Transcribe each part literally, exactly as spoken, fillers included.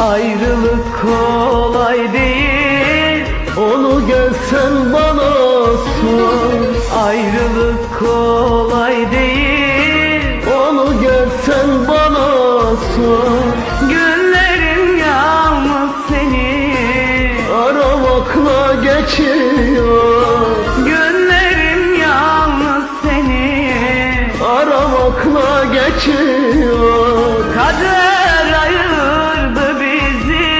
Ayrılık kolay değil, Onu gelsen bana sor. ayrılık kolay değil. Onu gelsen bana sor. Günlerim yalnız seni Aramakla geçiyor. Günlerim yalnız seni Aramakla geçiyor. Kader ayırdı bizi,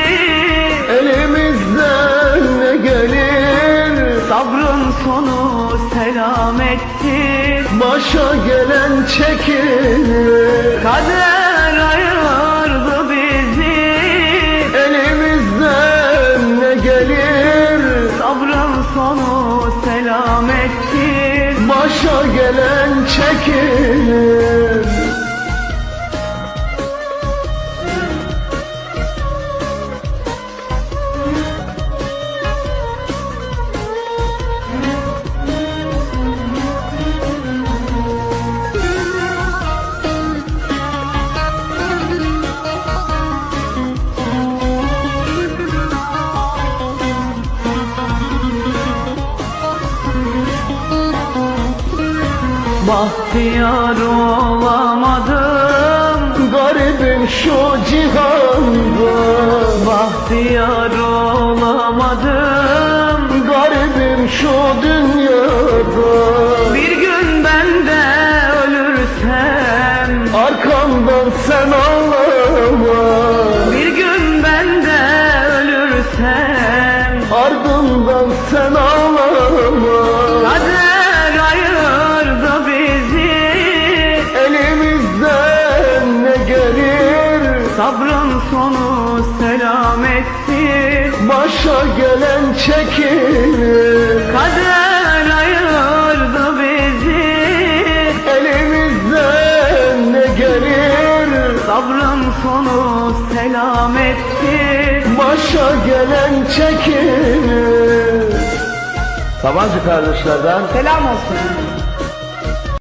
Elimizden ne gelir? sabrın sonu selamettir. Başa gelen çekilir. Kader ayırdı bizi, Elimizden ne gelir? sabrın sonu selamettir. Başa gelen çekilir. Bahtiyar olamadım, Garibim şu cihanda. bahtiyar olamadım. Garibim şu dünyada. Bir gün ben de ölürsem, Arkamdan sen ağlama. bir gün ben de ölürsem, Ardımdan sen ağlama. kader ayırdı bizi, Elimizden ne gelir? sabrın sonu selamettir. Başa gelen çekilir. Kader ayırdı bizi, Elimizden ne gelir? sabrın sonu selamettir. Başa gelen çekilir. Sabancı kardeşlerden Selam olsun.